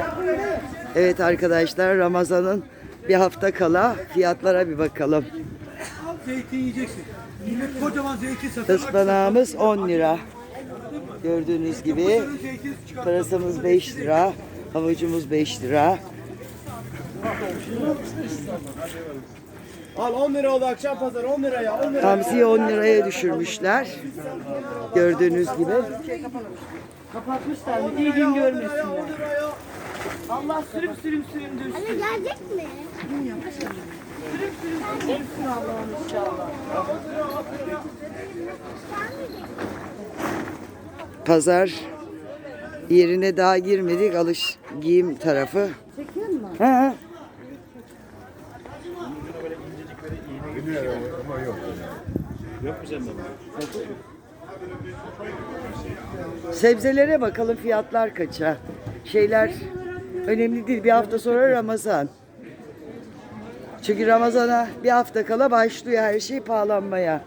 Evet arkadaşlar, Ramazan'ın bir hafta kala fiyatlara bir bakalım. Zeytin yiyeceksin. Millet kocaman zeytin satıyor. Ispanağımız 10 lira. Gördüğünüz gibi pırasamız 5 lira. Havucumuz 5 lira. Al 10 lira oldu akşam pazarı 10 liraya 10 lira. Hamsiyi 10 liraya düşürmüşler. Gördüğünüz gibi. Kapatmışlar mı? İyi gün görmesinler. Allah sürüm sürüm süründürsün. Anne gelecek mi? Sürüm sürüm süründürsün Allah'ım inşallah. Pazar yerine daha girmedik. Giyim tarafı. Çekiyor musun? Ha. Sebzelere bakalım, fiyatlar kaça. Şeyler önemli değil. Bir hafta sonra Ramazan. Çünkü Ramazan'a bir hafta kala başlıyor her şey pahalanmaya.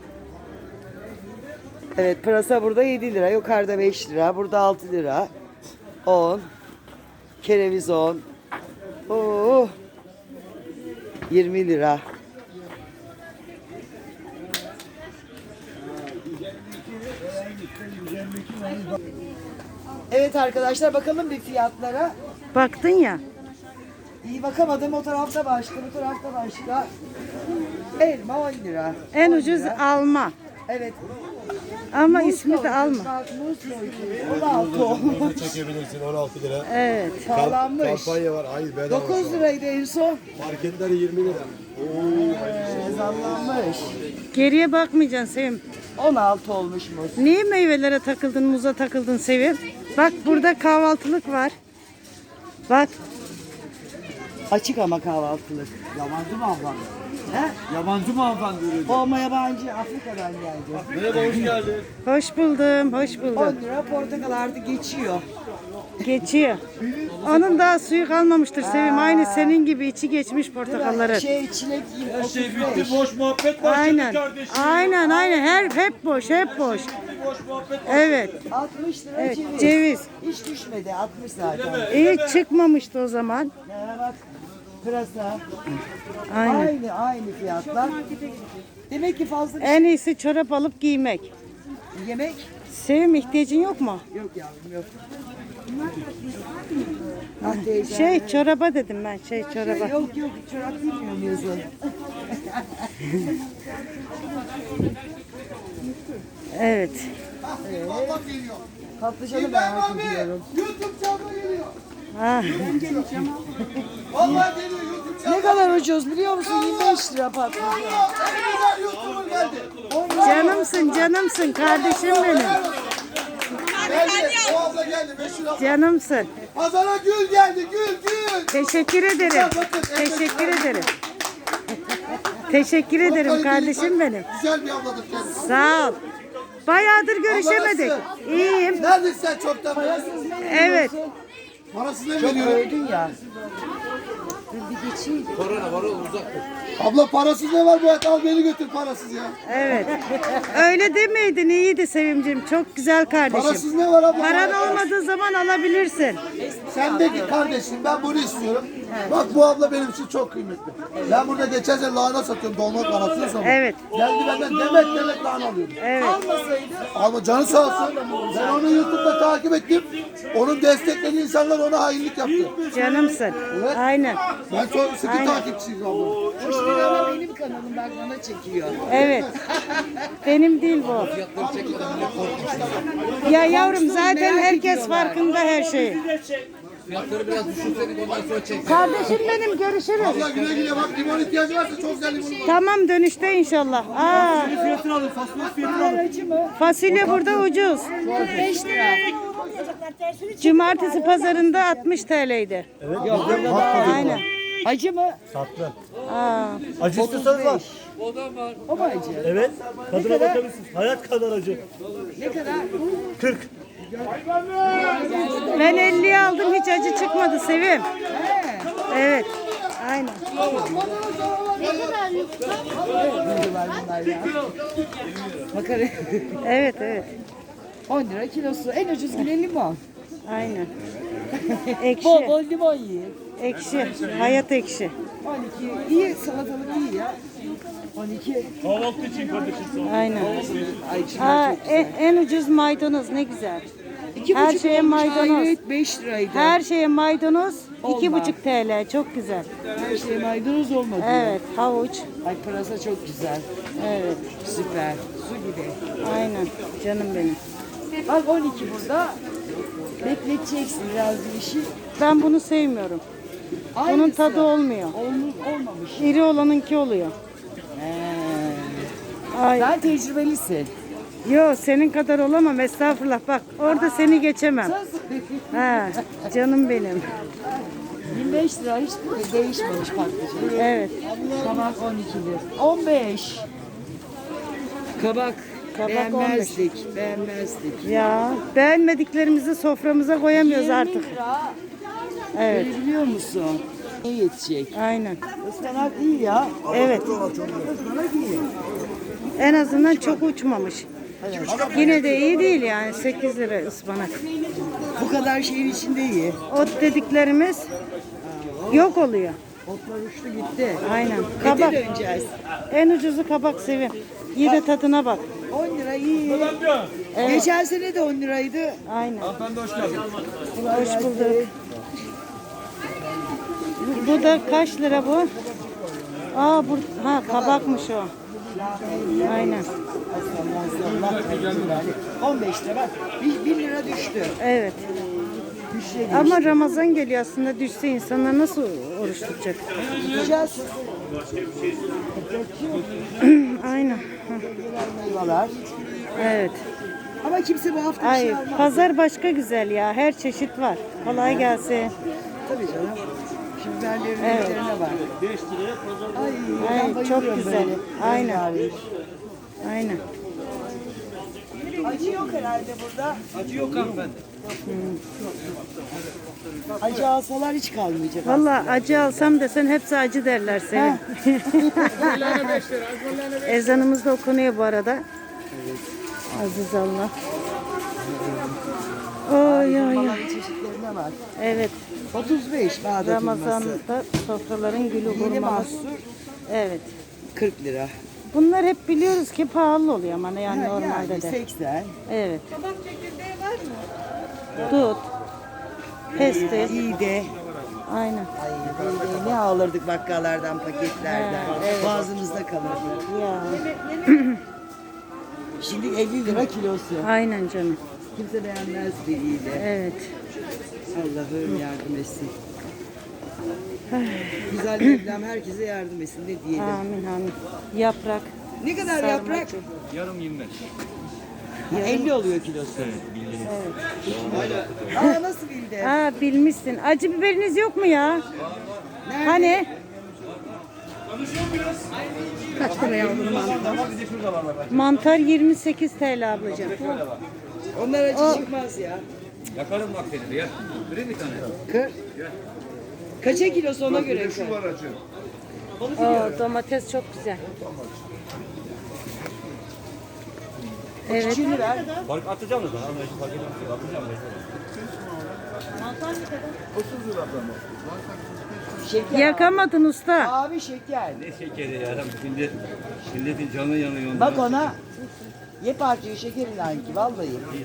Evet, pırasa burada 7 lira. Yukarıda 5 lira. Burada 6 lira. 10. Kereviz 10. Oo. 20 lira. Evet arkadaşlar, bakalım bir fiyatlara. Baktın ya. İyi bakamadım, o tarafta başka, bu tarafta başka. Elma 10 lira. En 10 ucuz lira. alma. Evet. Ama ismi de alma. Bak, muz yoğurdu. 16 olmuş. Çekebilirsin 16 lira. Evet. Pahalanmış. Kampanya var. Hayır bedava. 9 liraydı en son. Marketler 20 lira. Zamlanmış. Geriye bakmayacaksın Sevim. 16 olmuş muz. Niye meyvelere takıldın, muza takıldın Sevim? Bak burada kahvaltılık var. Bak. Açık ama kahvaltılık. Yabancı mı hanımefendi? He? Yabancı mı hanımefendi ürün? Olma yabancı, Afrika'dan geldi. Merhaba hoş geldin. Hoş buldum, hoş 10 buldum. lira portakal artık geçiyor. Geçiyor. Onun daha suyu kalmamıştır Sevim. Aynı senin gibi içi geçmiş portakalların. Çilek gibi. Her şey 35. bitti boş muhabbet başladı Aynen. kardeşim. Aynen. Hep boş, hep boş. Boş muhabbet. Evet. 60 lira Evet, ceviz. ceviz. Hiç düşmedi, 60 zaten. İyi çıkmamıştı o zaman. Ya bak, pırasa. Aynen. Aynı fiyatlar. Demek ki fazla bir En iyisi çorap alıp giymek. yemek Sevim ihtiyacın yok mu? yok yavrum, yok. Ah teyze. Çoraba dedim ben, çoraba. Yok, çorap bilmiyorum yazın. Evet. Patlıcanı merak ediyorum. YouTube canlı geliyor. Ha. Vallahi geliyor YouTube canlı. Ne kadar ucuz biliyor musun? 25 lira patlıcan. En güzel YouTuber geldi. Canımsın kardeşim benim. Geldi. O abla geldi. 5 lira. Canımsın. Pazara gül geldi. Gül. Teşekkür ederim. Teşekkür ederim. Teşekkür ederim kardeşim benim. Güzel bir abladır kendisi. Sağ ol. Bayağıdır görüşemedik. İyiyim. Neredesin sen çoktan beri? Evet. Parasız ne Çok veriyorum? öldün ya. Abla parasız ne var bu hayat? Al beni götür parasız ya. Evet. Öyle demeydin, iyiydi Sevimcim. Çok güzel kardeşim. Parasız ne var abla? Paran olmadığı zaman alabilirsin. Sen de ki kardeşim ben bunu istiyorum. Bak bu abla benim için çok kıymetli. Ben burada geçen sene lahana satıyorum dolma parasını sonra. Evet. Geldi benden demet lahana alıyorum. Evet. Ama canı sağ olsun. Ben onu YouTube'da takip ettim. Onun desteklediği insanlar ona hainlik yaptı. Canımsın. Aynen. Ben çok sıkı takipçiyim abla. Hoş bir ama benim kanalım, bak bana çekiyor. Evet. Benim değil bu. Ya yavrum zaten herkes farkında her şeyi. Fiyatları biraz düşürseydik ondan sonra çek. Kardeşim benim görüşürüz. Abla güle güle bak limon ihtiyacı varsa çok güzel limon var. Tamam dönüşte inşallah. Aa, Fiyatını alın, fasulye fiyatını alın. fasulye burada ucuz. 5 lira. Cumartesi pazarında 60 TL'ydi. Aynen. Acı mı? Tatlı. Aa, Acı istiyorsanız var. O mu acı? Evet. Tadına bakabilirsiniz. Hayat kadar acı. Ne kadar? 40. ben 50'ye aldım hiç acı çıkmadı Sevim. Evet. Aynen. Bunlar ya. Makara. Evet. 10 lira kilosu. En ucuz bile limon. Aynen. Ekşi. Bol bol limon yiyin. Ekşi. Hayat ekşi. 12 iyi, salatalık iyi ya. 12. Kahvaltı için kardeşim. Aynen. Ay şunlar Aa, çok güzel. en ucuz maydanoz ne güzel. 2,5 her şeye olmuş, maydanoz. hayret 5 liraydı. Her şeye maydanoz Olmaz. 2,5 TL. Çok güzel. Her şeye maydanoz olmadı. Evet, havuç. Ay pırasa çok güzel. Evet, Süper. Su gibi. aynen. Canım benim. Bak 12 burada. Bekleteceksin biraz bir işi. Ben bunu sevmiyorum. Bunun Aynısı. tadı olmuyor. Olmamış. İri olanınki oluyor. Ay, Sen tecrübelisin. yo senin kadar olamam estağfurullah. Bak orada seni geçemem. Söz. Ha, canım benim. 25 lira hiç değişmemiş patlıcan. Evet. Kabak 12 lira. 15. Kabak. Kabak Beğenmezdik. Beğenmezdik. Ya beğenmediklerimizi soframıza koyamıyoruz 20 artık. lira. Evet. Öyle biliyor musun? Ne yetecek? Aynen. Ispanak değil ya. Evet. Ispanak iyi. En azından çok uçmamış. Yine de iyi değil yani 8 lira ıspanak. Bu kadar şeyin içinde iyi. Ot dediklerimiz yok oluyor. Otlar uçtu gitti. Aynen. Kabak. Kabak. Döneceğiz. En ucuzu kabak Sevim. İyi de tadına bak. 10 lira iyi. Evet. Geçen sene de 10 liraydı. Aynen. Hoş geldin. Hoş bulduk. Bu da kaç lira bu? Aa bu ha kabakmış o. Aynen. 15 lira bak. 1 lira düştü. Evet. Düşe Ama Ramazan geliyor aslında düşse insanlar nasıl oruç tutacak? Gideceğiz. Aynen. Meyveler. Evet. Ama kimse bu hafta bir Ay şey almaz. pazar başka güzel ya. Her çeşit var. Kolay gelsin. Tabii canım. Şimdi biberlerin Evet. renklerine bak. 5 liraya pazar. Ay, Ay, ben çok bayılıyorum güzel. böyle. Aynen. Rengarenk. Aynen. Acı yok herhalde burada. Acı yok hanımefendi. Acı alsalar hiç kalmayacak. Vallahi acı alsam desen hepsi acı derler Sevim. Ezanımız da okunuyor bu arada. Aziz Allah. Oy oy oy. Aslında çeşitlerine bak. Evet. 35 Bağdat hurması. Ramazan'da sofraların gülü Yeni hurmalı. mahsur Evet. 40 lira. Bunlar hep biliyoruz ki pahalı oluyor ama yani Ha, normalde yani de. 80. Evet. Kabak çekirdeği var mı? Dut. Pestil. İyi de. Aynen. Ay iyi de ne alırdık bakkallardan, paketlerden. Ha, evet. Boğazımızda kalırdı. Ya. Şimdi 50 lira kilosu. Aynen canım. Kimse beğenmezdi iyi de. Evet. Allah'ım yardım etsin. Güzel Mevlam herkese yardım etsin ne diyelim. Amin amin. Yaprak. Ne kadar sarma yaprak? çok. Yarım 25. Ha, 50 oluyor kilosu. Aa nasıl bildi? Aa bilmişsin. Acı biberiniz yok mu ya? Nerede? Hani? Kaç lira yavrum? Mantar 28 TL ablacığım. Onlar acı çıkmaz ya. Yakarım bak seni ya. Vereyim bir tane. Kır. Kaça kilosu ona göre kır. Oo, domates çok güzel. Evet. Küçüğünü ver. Fark atacağım da daha. Fark etmez. Atacağım. Şeker. Yakamadın usta. Abi şeker. Ne şekeri ya. Şimdi milletin canı yanıyor. Bak ona. Ye parçayı şekerin ki vallahi.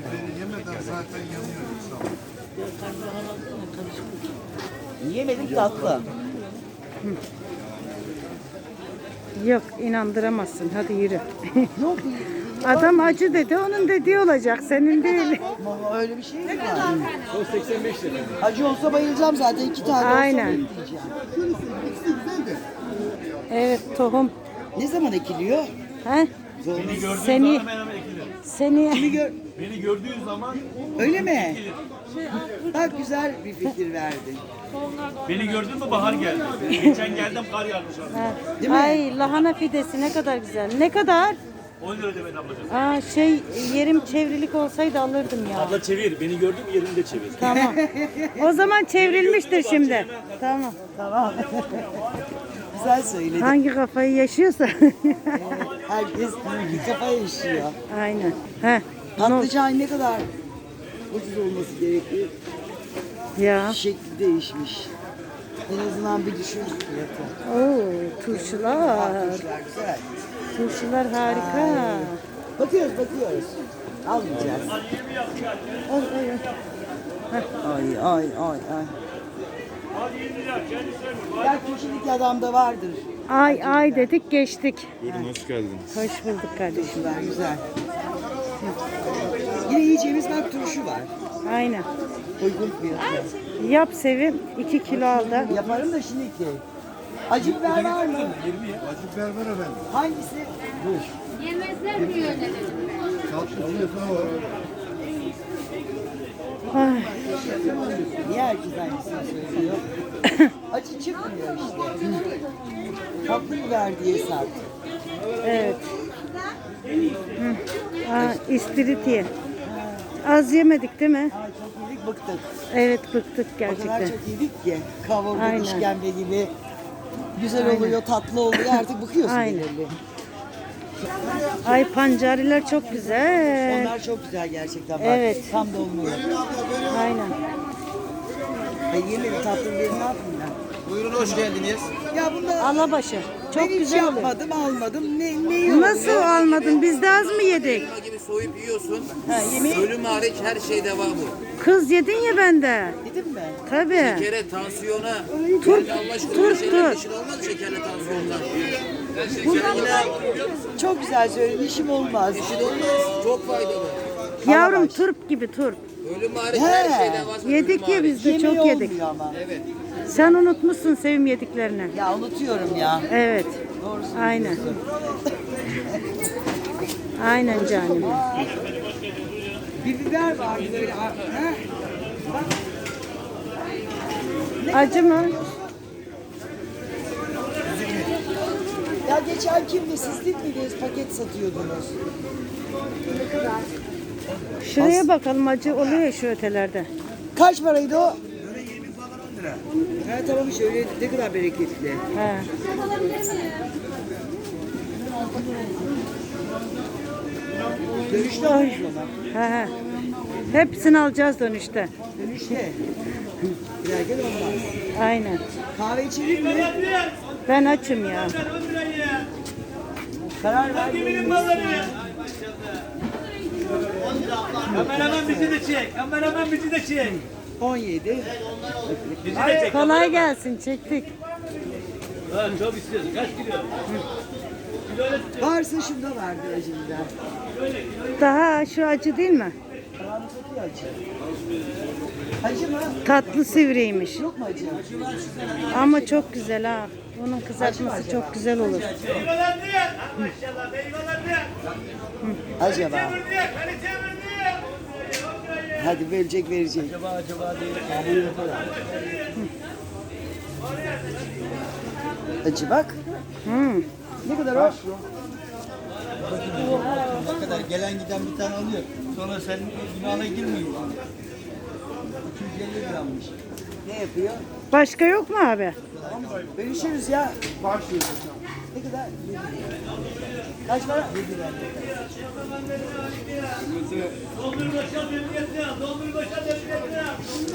Yemedik tatlı. Yok inandıramazsın. Hadi yürü. Yok Adam acı dedi. Onun dediği olacak. Senin değil. ama öyle bir şey mi var? O 85 lira. Acı olsa bayılacağım zaten 2 tane Aynen. olsa bayılacağım. Evet tohum. Ne zaman ekiliyor? He? Beni gördüğün Seni zaman hemen ekilir. seni Beni gördüğün zaman Öyle mi? Bak güzel bir fikir verdin. beni gördün mü bahar geldi. Geçen geldim kar yağmış abi. Ha. Değil mi? Ay lahana pidesi ne kadar güzel. Ne kadar? 10 lira demedi ablacığım. Aa şey yerim çevrilik olsaydı alırdım ya. Abla çevir. Beni gördün mü yerinde çevir. Tamam. O zaman çevrilmiştir şimdi. Tamam. Tamam. Güzel söyledin. Hangi kafayı yaşıyorsa. Herkes bir kafa yaşıyor. Aynen. He. Patlıcan ne kadar ucuz olması gerekiyor? Ya. Şekli değişmiş. En azından bir düşün fiyatı. Oo, turşular. Turşular güzel. Turşular harika. Bakıyoruz. Almayacağız. Ay. Ay. Ya köşedeki adamda vardır. Ay dedik geçtik. Buyurun hoş geldiniz. Hoş bulduk kardeşim. Güzel. Yine yiyeceğimiz bak turşu var. Aynen. Uygun fiyatı. Yap Sevim. 2 kilo al da. Yaparım da şimdi ki. Acı biber var mı? Acı biber var efendim. Hangisi? Yemezler mi yönelelim? Tatlı fiyatına var. Ay, Niye herkes aynısını söylüyor? Acı çıkmıyor işte. Tatlı biber diye sat. evet. İstiridye. Az yemedik değil mi? Ay çok yedik bıktık. Evet bıktık O kadar gerçekten. çok yedik ki. Kavurma, Aynen. işkembe gibi. Güzel oluyor, tatlı oluyor. Artık bıkıyorsun Aynen. belirli. Ay pancariler çok güzel. Onlar çok güzel gerçekten. Bak, Evet. tam dolmuyor. Aynen. Yemedim tatlı biberi ne yapayım ben? Buyurun hoş geldiniz. Ya bunda Alabaşı. Çok ben hiç güzel oluyor. yapmadım, almadım. Ne oluyor? Nasıl almadın? Biz de az mı yedik? Elma gibi soyup yiyorsun. Ha, yemeği Ölüm hariç her şey devamı. Kız yedin ya bende. yedim mi? Tabii. Şekere, tansiyona. Tur, Allah aşkına tur, bir şeyler tur. yeşil olmaz şekerle tansiyondan. Şeker yine Çok güzel söyledin, işim olmaz. yeşil olmaz. Çok faydalı. Yavrum Alabaş. turp gibi turp. Ölüm hariç He. her şeyden vazgeç. Yedik ya biz de Yemeği çok yedik. olmuyor ama. Evet. Sen unutmuşsun Sevim yediklerini. Ya unutuyorum ya. Evet. Doğru söylüyorsun. Aynen. Aynen canım. Bir biber vardı böyle. Ha? Acı mı? Ya geçen kimdi? Siz değil miydiniz? Paket satıyordunuz. Şuraya bakalım acı oluyor ya şu ötelerde. Kaç paraydı o? Böyle 20 falan 10 lira. Ha tamam işte öyle ne kadar bereketli. He. Dönüşte alırız ona. He. Hepsini alacağız dönüşte. Dönüşte. Giderken olmaz. Aynen. Kahve içelim mi? Ben açım ya. Karar ver. Kameraman bizi de çek. Kameraman bizi de çek. 17. Bizi de çek. Kolay gelsin çektik. Ha, çok istiyorsun. Kaç kilo? Varsa şunda vardır acımda. Daha şu acı değil mi? Karanlık satıyor acı. Acı mı? Tatlı sivriymiş. Yok mu acı? Ama çok güzel ha. Onun kızartması çok güzel olur. Meyveler diye. Maşallah meyveler diye. Acaba. Diye. Kalite diye. Hadi verecek. Acaba diye. Acı bak. Hmm. Ne kadar o? Ne kadar gelen giden bir tane alıyor. Sonra senin günahına girmiyor. 250 grammış. Ne yapıyor? Başka yok mu abi? Bölüşürüz ya. Ne kadar? Kaç para? Doldur başa memnuniyetine. Doldur başa memnuniyetine.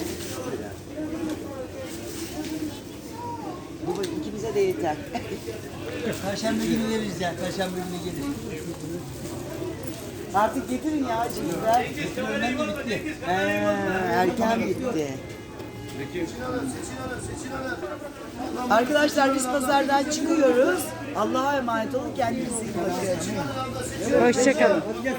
Bu ikimize de yeter. Perşembe günü veririz ya. Perşembe günü gelir. Artık getirin ya acı biber. Öğlen de bitti. Erken bitti. Arkadaşlar biz pazardan çıkıyoruz. Allah'a emanet olun. Kendinize iyi bakın. Hoşçakalın.